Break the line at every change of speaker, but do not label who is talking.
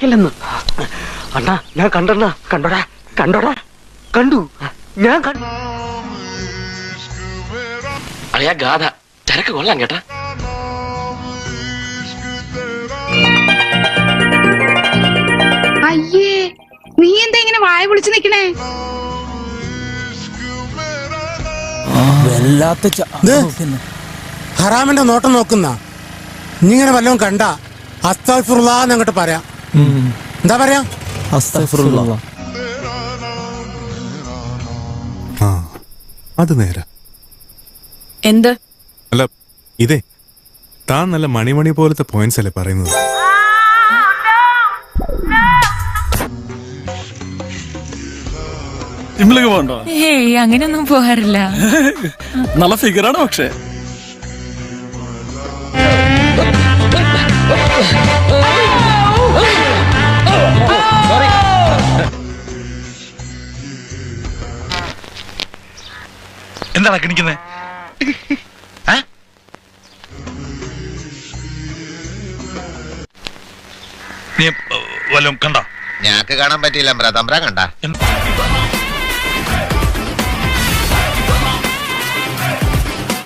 കിളയ്ക്കല്ലെന്ന്. അണ്ണാ ഞാൻ കണ്ടണ്ണ. കണ്ടോടാ കണ്ടോടാ കണ്ടു. ഞാൻ കണ്ടു.
അളിയാ ഗാഥ ചരക്ക് കൊള്ളാം കേട്ടാ.
അയ്യേ, നീ എന്താ ഇങ്ങനെ വായ പൊളിച്ചു നിക്കണേ?
ഹറാമിന്റെ നോട്ടം നോക്കുന്ന ഇങ്ങനെ വല്ലതും കണ്ട അസ്തഗ്ഫിറുല്ലാഹ് അങ്ങോട്ട് പറയാം. എന്താ പറയാ?
അസ്തഗ്ഫിറുല്ലാഹ്.
അത് നേരെ.
എന്ത്?
അല്ല ഇതേ താൻ നല്ല മണിമണി പോലത്തെ പോയിന്റ്സ് അല്ലേ പറയുന്നത്.
ജിമ്മിലൊക്കെ പോകണ്ടോ?
ഏയ് അങ്ങനെയൊന്നും പോകാറില്ല.
നല്ല ഫിഗറാണ് പക്ഷേ.
എന്താണ് കിണിക്കുന്നത്? നീ വല്ലതും കണ്ടോ?
ഞാക്ക് കാണാൻ പറ്റിയില്ല. തമ്പ്ര കണ്ട